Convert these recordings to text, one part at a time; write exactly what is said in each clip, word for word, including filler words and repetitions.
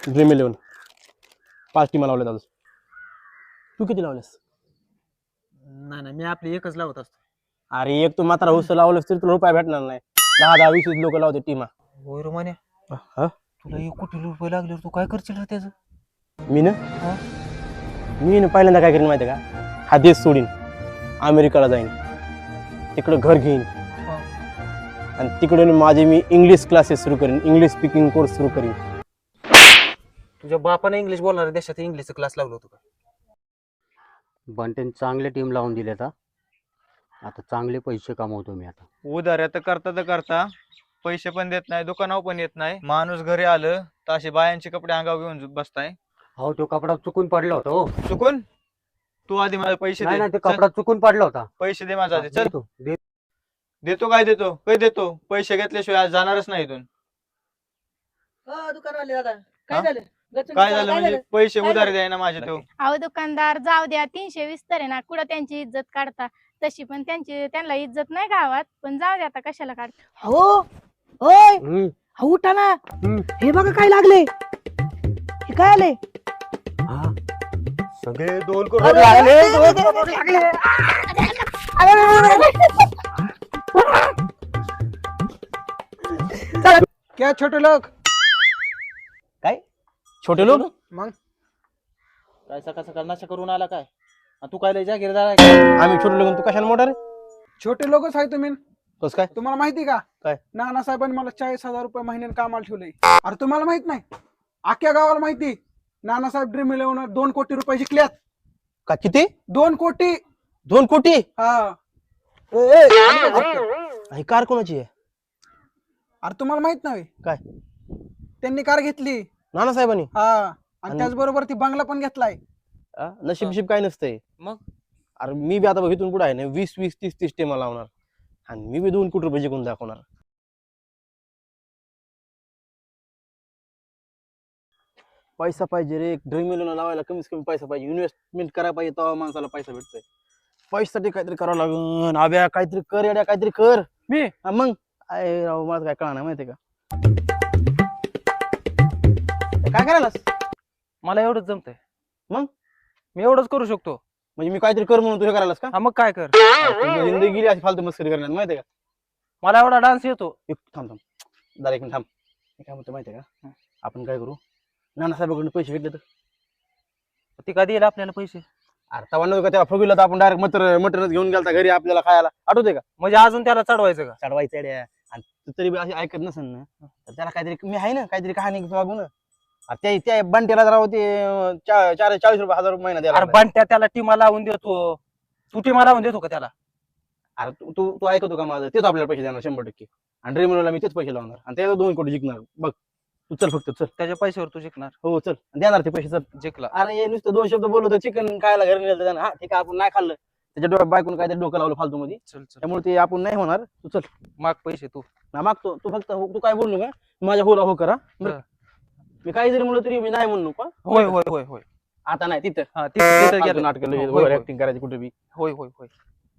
Dream eleven पाच टीमा लावल्यात आज. तू किती लावल्यास? नाही नाही मी आपली एकच लावत असतो. अरे एक तू मात्र हुस लावलंस तरी तुला रुपये भेटणार नाही. दहा दहा वीस वीस लोक लावते टीमा. होय रे म्हणे हा तुला एक कोटी रुपये लागले तू काय करशील रे त्याचं? मी ना मी ना पहिल्यांदा काय करीन माहिती का, हा देश सोडीन, अमेरिकाला जाईन, तिकडं घर घेईन आणि तिकडे माझे मी इंग्लिश क्लासेस सुरू करीन, इंग्लिश स्पीकिंग कोर्स सुरू करीन. तुझ्या बापाने इंग्लिश बोलणाऱ्या देशात इंग्लिशचा क्लास लावला होता का? बंटेन चांगले टीम लावून दिले आता आता चांगले पैसे कमवतो मी आता. उधाऱ्या तर करता तर करता पैसे पण देत नाही, दुकानावर पण येत नाही. माणूस घरी आलं तर असे बायांचे कपडे अंगावर घेऊन बसताय. हो तो कपडा चुकून पडला होता. हो चुकून तू आधी मला पैसे नाही दे. नाही ते चल, कपडा चुकून पडला होता. पैसे दे माझा आधी. चल देतो, दे- देतो काय देतो काय देतो पैसे घेतल्याशिवाय आज जाणारच नाही इथून. दुकानवाले दादा हा? काय झालं? काय झालं म्हणजे पैसे उधारी द्याय ना माझे तो. अहो दुकानदार जाऊ द्या, तीनशे वीस तर आहे ना, कुठं त्यांची इज्जत काढता. तशी पण त्यांची त्यांना इज्जत नाही गावात, पण जाऊ द्या आता कशाला काढता. हो ओय हम्म, हा उठा ना. हम्म. हे बघा काय लागले. हे काय आले? हा. सगळे दोन करोड अरे, लागले, अरे, दोन अरे, करोड लागले. क्या छोटे लोक काय छोटे लोक? मग काय सकाळ सकाळ नशा करून आला काय? आणि तू काय लय जागीरदार आहे काय? आम्ही छोटे लोक, तू कशाला मोठा रे? छोटे लोकच आहे तुम्ही. तस काय तुम्हाला माहिती का काय? नानासाहेबांनी मला चाळीस हजार रुपये महिन्याने कामाला ठेवलंय. अरे तुम्हाला माहित नाही, अख्ख्या गावाला माहिती नानासाहेब ड्रीम इलेव्हन दोन कोटी रुपये जिंकल्यात. का किती? दोन कोटी. दोन कोटी? हा ही कार कोणाची आहे? अरे तुम्हाला माहित नाही काय? त्यांनी कार घेतली. नानासाहेबांनी? हा आणि आणि- त्याचबरोबर ती बंगला पण घेतलाय. आ, नशीब शिब काय नसतंय. मग? अरे मी बी आता बघ इथून पुढे आहे ना वीस वीस तीस तीस टेमा लावणार आणि मी बी दोन कोटी रुपये जिंकून दाखवणार. पैसा पाहिजे रे, ड्रीम इलेव्हन लावायला कमीत कमी पैसा पाहिजे, इन्व्हेस्टमेंट करायला पाहिजे, तेव्हा माणसाला पैसा भेटतोय. पैशासाठी काहीतरी करावं लागून. आब्या काहीतरी कर, येड्या काहीतरी कर. मी हा मग अरे राव मला काय कळणार माहितीये का? काय करायलास? मला एवढंच जमतंय. मग? मी एवढंच करू शकतो. म्हणजे मी काहीतरी कर म्हणून तुझ्या करायलास का? हा मग काय कर. अरे तुझी जिंदगी गेली अशी फालतू मस्करी करण्यात माहितीये का? मला एवढा डान्स येतो. एक थांब थांब जरा एक मिनिट थांब. मी काय म्हणतो माहितीये का, आपण काय करू, नानासाहेबांकडून पैसे घेतले तर? ती कधी येईल आपल्याला पैसे? अरे तवा नव्हतं का तेव्हा फुगीला तर आपण डायरेक्ट मटर मटनच घेऊन गेलता घरी आपल्याला खायला, आठवते का? म्हणजे अजून त्याला चढवायचं का? चढवायचं येड्या. आणि तू तरी बी अशी ऐकत नसेल ना तर त्याला काहीतरी मी आहे ना काहीतरी कहाणी मागू ना. अरे त्या त्या बंटेला जरा होते चा- चार चाळीस रुपये हजार रुपये महिना द्यायला अरे लागला. बंट्या त्याला टीमा लावून देतो. तू टीमा लावून देतो का त्याला? अरे तू तू तू ऐकतो का माझं? तेच आपल्याला पैसे देणार शंभर टक्के. आणि ड्रीमला मी तेच पैसे लावणार आणि त्याला दोन कोटी जिंकणार. बघ तू चल फक्त चल. त्याच्या पैशावर तू जिंकणार. हो चल देणार ते पैसे चल. जिंकला. अरे हे नुसतं दोन शब्द बोललो तर चिकन खायला घरी नेलं त्यानं. हा ठीक आहे आपण नाही खाल्लं, त्याच्या डोळ्यात बायकून काहीतरी डोकं लावलं फालतू मध्ये, चल चल त्यामुळे ते आपण नाही होणार. तू चल माग पैसे तू. ना मागतो तू फक्त हो- तू काय बोलू नका, माझ्या होला हो करा. बरं. मी काही जरी म्हणलं तरी मी नाही म्हणू का? होय होय होय होय. आता नाही तिथं हा तिथं तिथं गेलं. नाटक होय, होय, होय. ऍक्टिंग करायची कुठे बी. होय होय होय.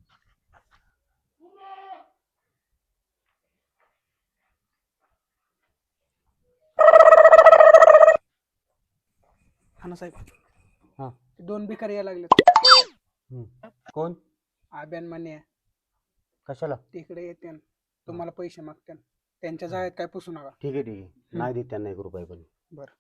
नानासाहेब हा. दोन भिकारी यायला लागले. कोण? आब्यान म्हणे कशाला? तिकडे येते तुम्हाला पैसे मागते. त्यांच्या जाळ्यात काय पुसू नका. ठीक आहे ठीक आहे, नाही देत त्यांना एक रुपये पण.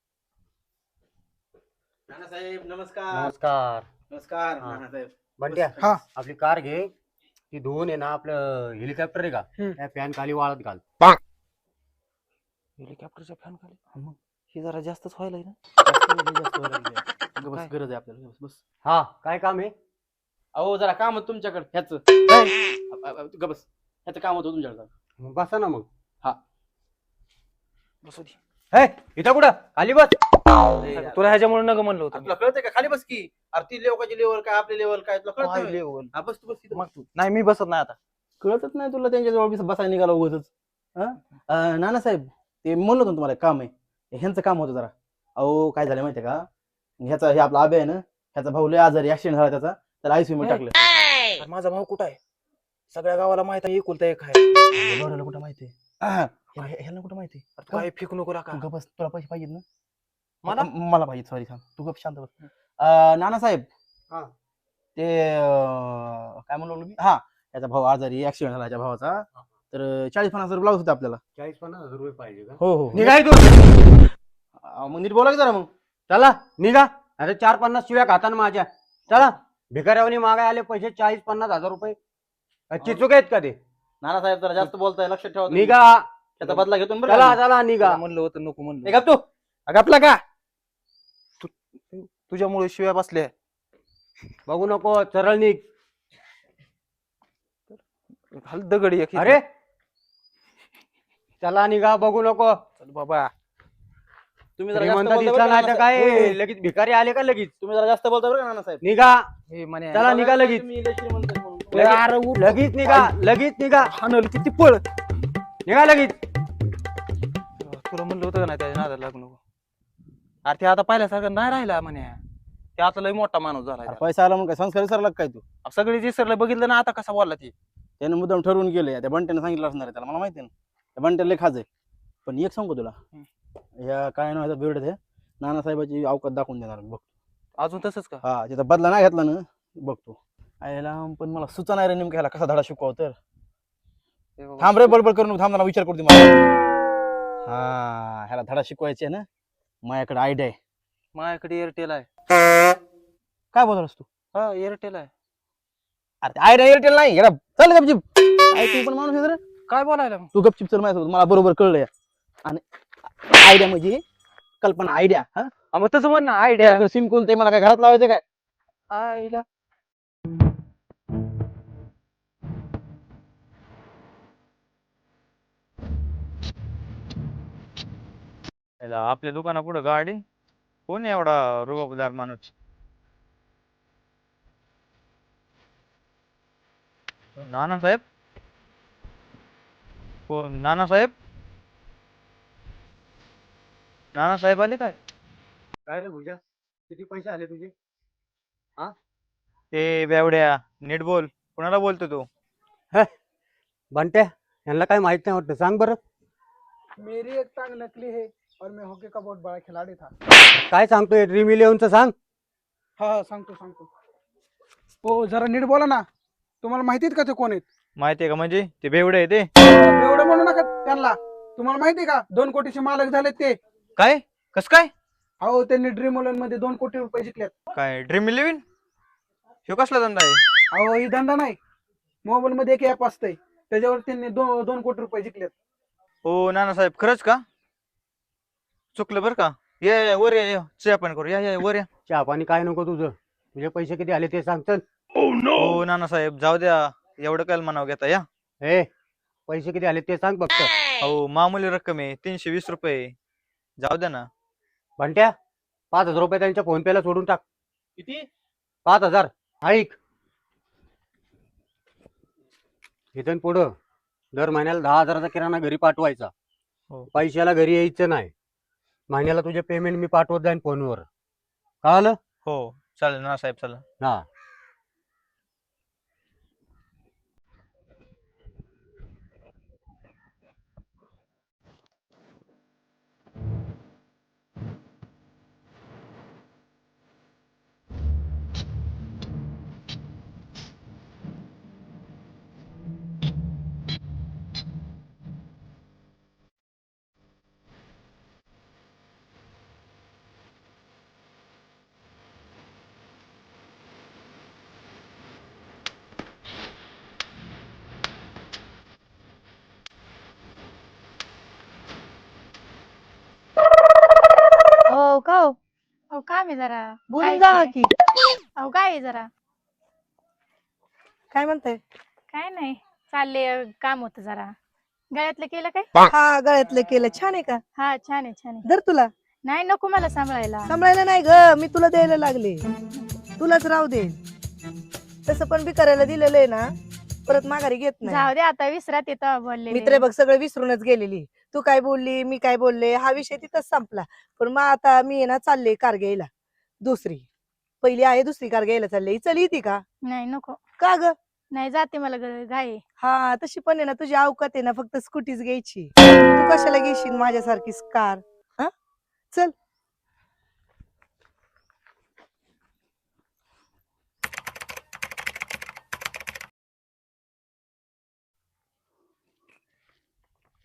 नानासाहेब नमस्कार. नमस्कार. नमस्कार हा. नानासाहेब. बंट्या हा. आपली कार घे, ती धुवून आहे ना आपलं हेलिकॉप्टर आहे का हम्म. त्या फॅन खाली वाळत घाल. हेलिकॉप्टरच्या फॅन खाली हे जरा जास्तच व्हायला ना. जास्त व्हायला लागले. अगं बस काय? गरज आहे आपल्याला. बस बस. हा काय काम आहे? अहो जरा काम होतं तुमच्याकडे ह्याच. बस ह्याचं काम होतं तुमच्याकडे. मग बसा ना मग. बसू दे. हे इथं कुठं खाली बस. तुला ह्याच्यामुळे नग म्हणलं होतं. तुला कळतंय का? खाली बस की. अरे ती लेवकाची लेवल काय आपली लेवल काय तुला काय कळतंय? level? हा बस तू बस तिथं. मग तू नाही मी बसत नाही आता. कळतच नाही तुला त्यांच्या जवळ बसायला निघाला उगाचच. नानासाहेब ते म्हणलं होतं ना तुम्हाला एक काम आहे, ह्यांचं काम होतं जरा. अहो काय झालं माहितीये का, ह्याचा हे आपला आबे आहे ना, ह्याचा भाऊ लय आजारी ऍक्सिडेंट झाला त्याचा, त्याला आयसीयू मध्ये टाकलं. अरे माझा भाऊ कुठं आहे? सगळ्या गावाला माहित आहे एकुलता एक आहे. बरोबर कुठं माहितीये? ह्याला कुठं माहिती? काय फेकू नको का? बस तुला पैसे पाहिजेत ना? मला? म- मला पाहिजे सॉरी थांब तू गप शांत बस अं, नानासाहेब हा. ते अं, काय म्हणलो मी हा याचा भाऊ आजारी ऍक्सिडेंट झाला याच्या भावाचा तर चाळीस पन्नास हजार ब्लाऊज होते आपल्याला चाळीस पन्नास हजार रुपये पाहिजे का हो हो निघाय तू अं, मग नीट बोला की जरा मग चला निघा अरे चार पन्नास शिव्या खाताना माझ्या चला भिकाऱ्यावनी मागाय आले पैसे चाळीस पन्नास हजार रुपये चिचूक आहेत का ते नानासाहेब जरा जास्त बोलताय लक्षात ठेवा तुम्ही. निघा त्याचा बदला घेतो ना बरं चला का? चला निघा त्याला म्हणलं होतं नको म्हणलं हे गप तू अगं आपला का तू- तुझ्यामुळे शिव्या बसल्या बघू नको सरळ निघ हल दगडी एक अरे चला निघा बघू नको चल बाबा तुम्ही जरा जास्त श्रीमंत बोलता दिसला बरं का नाही तर नानासाहेब? काय हो. लगेच भिकारी आले का लगेच तुम्ही जरा जास्त बोलता बरं का नानासाहेब निघा हे म्हणे चला, निघा लगेच. तुम्ही लय श्रीमंत आहे म्हणून. लगेच- अरे उठ. लगेच निघा लगेच निघा हाणल किती पळ निघा लगेच तुला म्हणलं होतं का नाही त्याच्या नादाला लागू नको अरे ते आता पाहिल्यासारखं नाही राहिला म्हणे ते आता लय मोठा माणूस झाला अरे पैसा आला म्हणून काय संस्कार विसरला का काय तू सगळे जे सरला बघितलं ना आता कसा बोलला ती त्याने मुद्दाम ठरवून गेले त्या बंट्याने सांगितलं असणार आहे त्याला मला माहिती आहे ना त्या बंट्याला लय खाज आहे पण एक सांगू तुला ह्या काय नाव बिरड आहे नानासाहेबाची अवकात दाखवून देणार मी, बघ अजून तसंच का हा त्याचा बदला नाही घेतला ना बघतो आयला पण मला सुचा नाही रे नेमकं ह्याला कसा धडा शिकवाव तर हे बाबा. थांब रे बडबड करून नको, थांब जरा विचार करते मला हा ह्याला धडा शिकवायचे आहे ना माझ्याकडे आयडिया आहे माझ्याकडे एअरटेल आहे काय बोलतोस तू हा एअरटेल आहे अरे आयडिया एअरटेल नाही ह्याला चल गपचिप ऐकू पण माणूस आहे रे काय बोलायला मग तू गपचिप चल माझ्यासोबत मला बरोबर कळलं आणि आयडिया म्हणजे कल्पना आयडिया हा हा, मग तसं म्हण ना आयडिया सिम कोल ते मला काय घरात लावायचं काय आईला याला आपल्या दुकाना पुढे गाडी कोण आहे एवढा रुबाबदार माणूस नानासाहेब कोण नानासाहेब नानासाहेब आले काय काय रे भुजा किती पैसे आले तुझे ते बेवड्या नीट बोल कोणाला बोलतो तू बंट्या यांना काय माहित नाही वाटतं सांग बरं मेरी एक टांग नकली है और मैं हॉकी का बहुत बड़ा खिलाड़ी था. काय सांगतोय ड्रीम इलेव्हनचं सांग हा हा सांगतो सांगतो हो जरा नीट बोला ना तुम्हाला माहितीत का ते कोण आहेत माहितीये का म्हणजे ते बेवडे आहे ते एवढं म्हणू नका त्यांना तुम्हाला माहिती का दोन कोटीचे मालक झालेत ते काय कस काय अहो त्यांनी ड्रीम इलेव्हन मध्ये दोन कोटी रुपये जिंकलेत काय ड्रीम इलेव्हन ह्यो कसला धंदा आहे अहो ही धंदा नाही मोबाईल मध्ये एक ऍप असतंय त्याच्यावर त्यांनी दोन दोन कोटी रुपये जिंकलेत हो नानासाहेब खरंच का चुकलं बरं का या या, वर या या, चहा पाणी करू या या वर या चहा पाणी काय नको तुझं तुझे पैसे किती आले ते सांग चल हो नानासाहेब जाऊ द्या एवढं काय म्हणावं घेता या हे पैसे किती आले ते सांग फक्त हो मामूली रक्कम आहे तीनशे वीस रुपये जाऊ द्या ना बंट्या पाच हजार रुपये त्यांच्या फोन पेला सोडून टाक किती पाच हजार ऐक इथून पुढं दर महिन्याला दहा हजाराचा किराणा घरी पाठवायचा हो. पैशाला घरी यायचं नाही महिन्याला तुझे पेमेंट मी पाठवत जाईन फोनवर कळालं हो चालेल नानासाहेब चला हा हो का हो अहो काम आहे जरा बोलून काय जा ते? की अहो काय आहे जरा काय म्हणताय काय नाही चालले काम होतं जरा गळ्यातलं केलं काय हा गळ्यातलं केलं छान आहे का हा छान आहे छान आहे धर तुला नाही नको मला सांभाळायला सांभाळायला नाही ग मी तुला द्यायला लागले तुलाच राहू दे तसं पण बी करायला दिलेलं आहे ना परत माघारी घेत नाही जाऊ दे आता विसरात येतं बोलले मित्र बघ सगळं विसरूनच गेलेली तू काय बोलली मी काय बोलले हा विषय तिथंच संपला पण मग आता मी आहे ना चालले कार घ्यायला दुसरी पहिली आहे दुसरी कार घ्यायला चालली चल येते का नाही नको का ग नाही जाते मला ग- घाई आहे. हा तशी पण आहे ना तुझी अवकात आहे ना फक्त स्कूटीच घ्यायची तू कशाला घेशील माझ्यासारखी कार हा चल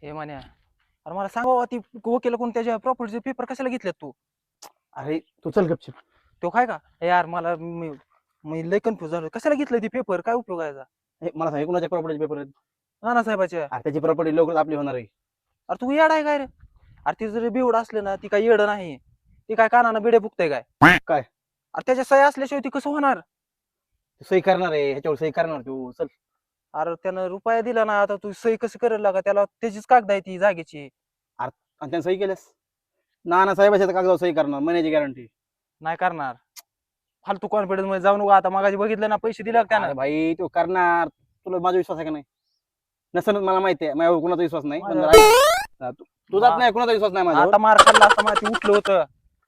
हे म्हण्या अरे मला सांगा ती वकील कोण त्याच्या प्रॉपर्टीचे पेपर कशाला घेतलेत तू? अरे तू चल गपचिप. तो काय का ए यार मला मी मी लय कन्फ्युज झालो. कशाला घेतलं ते पेपर? काय उपयोग आहे याचा? हे मला सांग कोणाच्या प्रॉपर्टी पेपर आहेत? नाना साहेबाच्या. अरे त्याची प्रॉपर्टी लवकरच आपली होणार आहे. अरे तू येड आहे काय रे? अरे ती जर बेवड असले ना ती काय येड नाही. ती काय कानानं बिडे फुकते काय? काय? अरे त्याच्या सही असल्याशिवाय ती कसं होणार? तू सही करणार आहे ह्याच्यावर सही करणार तू चल. अरे त्यानं रुपया दिला ना आता तू सही कसं करेल लागा? त्याला त्याचीच कागद आहे ती जागेची. आणि त्याने सही केल्यास नाना साहेबाच्या कागदावर सही करणार महिन्याची गॅरंटी. नाही करणार. फालतू कॉन्फिडन्स मध्ये जाऊ नको. आता मागाशी बघितलं ना पैसे दिले का त्यानं? भाई तू करणार. तुला माझा विश्वास आहे का नाही? नसेल मला माहिती आहे माझ्यावर कोणाचा विश्वास नाही पण माझ्या- जरा ऐक. तू- तुझाच नाही कोणाचा विश्वास नाही माझ्यावर. आता मार खाल्ला असता मला ते उठलं होतं.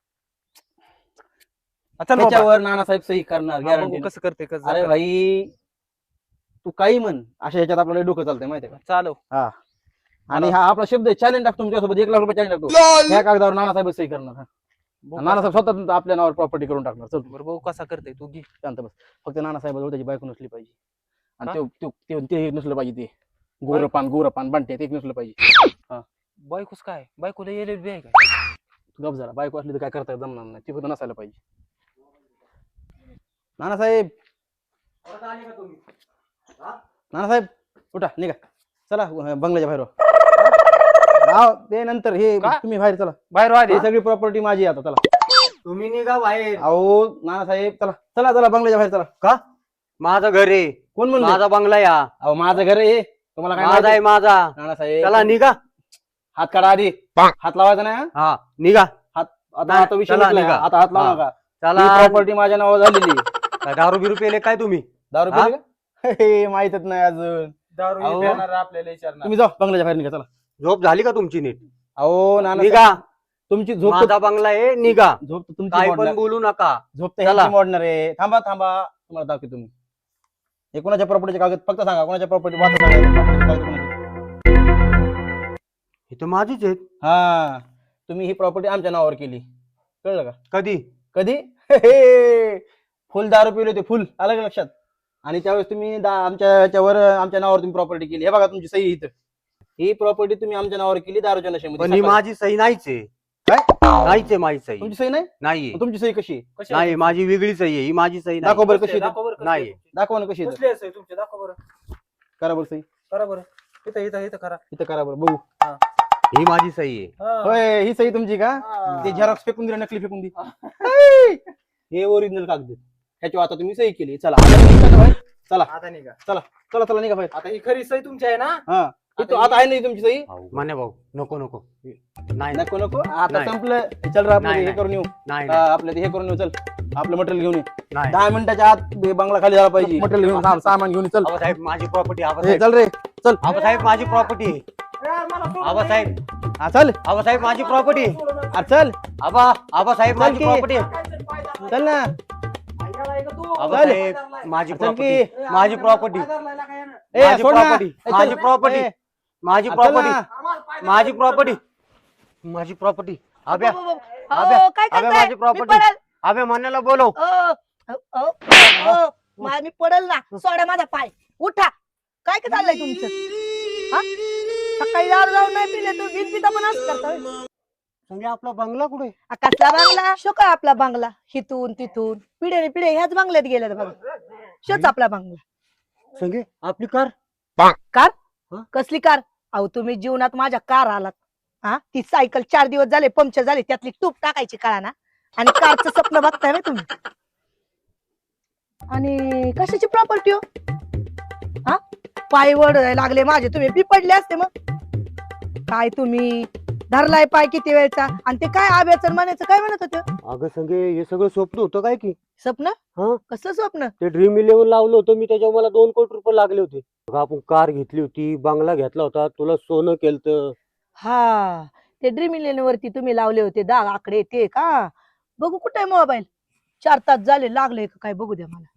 चल बाबा. त्याच्यावर नानासाहेब सही करणार हा, गॅरंटी. बघू कसं करते कसं अरे करते. भाई तू काही म्हण अशा ह्याच्यात आपल्याला डोकं चालतंय माहिती आहे चालव. का? आणि हा आपला शब्द चॅलेंज टाकतो तुमच्यासोबत एक लाख रुपये चॅलेंज टाकतो. ह्या कागदावर नानासाहेब सही करणार. हा. बघू नानासाहेब स्वतः आपल्या नावावर प्रॉपर्टी करून टाकणार. चल बरं बघू कसा करते तू घे. शांत बस. फक्त नानासाहेबाजवळ त्याची बायको नसली पाहिजे. आणि का? ते- ते ते- ते एक नसलं पाहिजे. ते गोरपान गोरपान बंटे ते एक नसलं पाहिजे. बायकोच काय? बायकोला येले बी आहे काय? तू गप झाला. बायको असली तर काय करता जमणार नाही. ती फक्त नसायला पाहिजे. नानासाहेब नानासाहेब उठा निघा. चला अं, बंगल्याच्या बाहेर व्हा. राव ते नंतर हे का? तुम्ही बाहेर चला. बाहेर ही आधी सगळी प्रॉपर्टी माझी आहे आता. चला तुम्ही निघा बाहेर. अहो नानासाहेब चला चला चला बंगल्याच्या बाहेर चला. का? माझं घर आहे. कोण म्हणलं? माझा बंगला या. अहो माझं घर आहे. तुम्हाला काय माझा आहे माहिती? माझा. नानासाहेब चला निघा. हात काढा आधी. हात लावायचा नाही हा? हा निघा. आता नाही, आता विषय चला, मिटलाय. निघा. आता हात लावू हा. नका. चला. प्रॉपर्टी माझ्या नावावर झालेली. काय दारू बिरू पेले काय तुम्ही? दारू हा? पिली का? हे माहितच नाही अजून. दारू अहो. पिणार आपल्याला विचारणार. तुम्ही जाऊ बंगल्याच्या बाहेर निघा चला. झोप झाली का तुमची नीट? अहो नाना निघा. तुमची झोप माझा बंगला आहे. निघा. झोप तर तुमची काय पण मोडणार. बोलू नका. झोप तर चला. ह्यांची मोडणार आहे. थांबा थांबा तुम्हाला दाखवतो तुम्ही. हे कोणाच्या प्रॉपर्टीचे कागद फक्त सांगा. कोणाच्या प्रॉपर्टी वाचा सांगा. property चे कागद कोणाचे? हे तर माझीच आहेत. हा तुम्ही ही प्रॉपर्टी आमच्या नावावर केली. कळलं का? कधी? कधी? हे, फुल दारू पिले होते फुल. आलं का लक्षात? आणि त्यावेळेस तुम्ही दा- आमच्या याच्यावर आमच्या नावावर तुम्ही प्रॉपर्टी केली. हे बघा तुमची सही इथं. ही प्रॉपर्टी तुम्ही आमच्या नावावर केली दारूच्या पण ही नशेमध्ये. माझी सही नाहीच आहे. काय? नाहीच आहे माझी सही. तुमची सही नाही? नाहीये. मग तुमची सही कशी आहे? नाही माझी वेगळी सही आहे. ही माझी सही नाही. दाखव बरं कशी आहे ते. नाही. दाखवा ना कशी आहे ते. कसली आहे तुमचे? दाखव बरं. करा बरं सही. करा बरं. इथं इथं इथं करा. इथं करा बरं बघू. ही माझी सही आहे. हा. होय ही सही तुमची का? हा. ते झेरॉक्स फेकून दिला नकली फेकून दी. हे ओरिजिनल कागद. ह्याच्यावर आता तुम्ही सही केली. चला आता निघा ना बाहेर. चला आता निघा. चला चला निघा बाहेर. आता ही खरी सही तुमची आहे ना? हा इथं आता आहे ना तुमची सही. मान्य भाऊ नको नको. नाही नको नको आता नाही. संपलं. चल रे आपलं नाही, हे नाही. करून येऊ. नाही हा, आपलं ते हे करून येऊ. चल आपलं मटेरियल घेऊन ये. नाही. दहा मिनिटाच्या आत बे- बंगला खाली झाला पाहिजे. मटेरियल घेऊन सा- सामान घेऊन ये. चल आबासाहेब माझी प्रॉपर्टी. हे, आबासाहेब चल रे चल. आबासाहेब माझी प्रॉपर्टी. आबासाहेब हा चल. आबासाहेब माझी प्रॉपर्टी. हा चल आबा आबासाहेब चल माझी की. प्रॉपर्टी. चल ना. आबासाहेब माझी चल प्रॉपर्टी. की. माझी प्रॉपर्टी. ए, माझी सोड ना. प्रॉपर्टी. ए, चल. माझी प्रॉपर्टी. ए, माझी चल प्रॉपर्टी. ना. माझी प्रॉपर्टी. माझी प्रॉपर्टी. अभ्या अहो, अबे, काय अबे, करताय? माझी मी property. पडेल. अभ्या म्हणण्याला बोलव. अ, अ, अ, अ, मा- मी पडल ना. सोडा माझा पाय. उठा. काय काय चाललंय तुमचं? हा? सकाळी दारू जाऊन नाही पिले तर बिन पिता पण असं करता होय? संगे आपला बंगला कुठे? आ, कसला बांगला? शो का आपला बांगला? हिथून तिथून पिढ्याने पिढे ह्याच बांगल्यात गेल्यात बघा. शोच आपला बांगला. संगे आपली कार. कार? कसली कार? अहो तुम्ही जीवनात माझ्या कार आलात. हा ती सायकल चार दिवस झाले पंक्चर झाले त्यातली टूप टाकायची कळा ना. आणि कारचं स्वप्न बघताय ना तुम्ही. आणि कशाची प्रॉपर्टी हो? हा पाय वड लागले माझे. तुम्ही बिपडले असते मग. काय तुम्ही धरलाय पाय किती वेळचा. आणि ते काय आब्याचं म्हणायचं काय म्हणत होते? अगं संगे हे सगळं स्वप्न होतं काय की? स्वप्न? हा. कसलं स्वप्न? ते ड्रीम इलेव्हन लावलं होतं मी. त्याच्यावर मला दोन कोटी रुपये लागले होते. अगं, आपण कार घेतली होती. बंगला घेतला होता. तुला सोनं केलं. हा ते ड्रीम इलेव्हन वरती तुम्ही लावले होते दहा आकडे ते का? बघू कुठे आहे मोबाईल. चार तास झाले लागले का काय बघू द्या मला.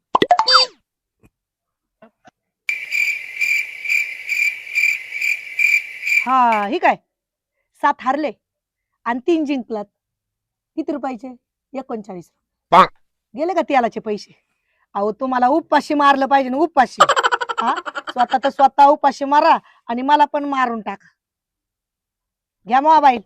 हा ही काय सात हारले आणि तीन जिंकलात. किती रुपयाचे? एकोणचाळीस. गेले का तेलाचे पैसे? अहो तुम्हाला उपाशी मारलं पाहिजे ना. उपाशी. हा स्वतः तर स्वतः उपाशी मारा आणि मला पण मारून टाका. घ्या मोबाईल.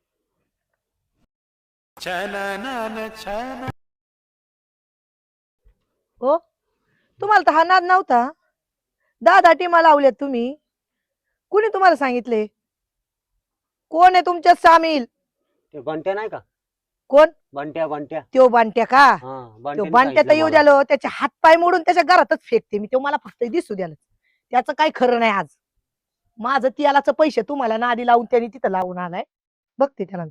हो तुम्हाला तर हा नाद नव्हता. दहा दहा टीमा लावल्यात तुम्ही. कुणी तुम्हाला सांगितले? कोण आहे तुमच्यात सामील? ते बंट्या नाही का? कोण? बंट्या बंट्या त्यो बांट्या का? हा तो बंट्याने बांट्या तर सांगितलं येऊ मला. द्यालो, त्याचे हात पाय मोडून त्याच्या घरातच फेकते मी. तो मला फक्त दिसू द्याल. त्याचं काही खरं नाही आज. माझं तियालाच पैसे तुम्हाला नादी लावून त्यांनी तिथं लावून आलाय. बघते त्याला.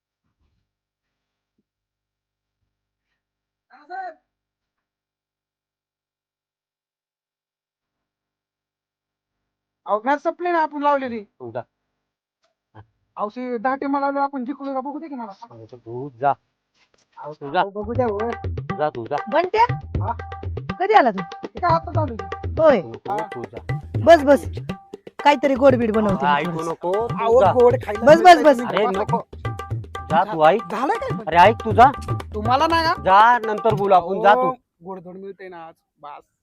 अहो मॅच संपली ना आपण लावलेली. तुझा अहो ते दहा टीमा लावले आपण जिंकलो का बघू दे की मला. तू जा अहो, तुझा अहो, बघू द्या होय. जा तुझा बांट्या हा? कधी आला तू? हे काय आता चालू आहे? होय तुझा बस बस काहीतरी गोडबीड बनवते मी ऐकू थोडंसं. नको तू अहो जा. गोड खायला बस, बस, बस. अरे बसा. नको जा तू ऐक. झालं काय पण? अरे ऐक तुझा तुम्हाला नाही का? जा नंतर बोलू आपण. जा तू अहो, गोडधोड मिळते ना आज. बस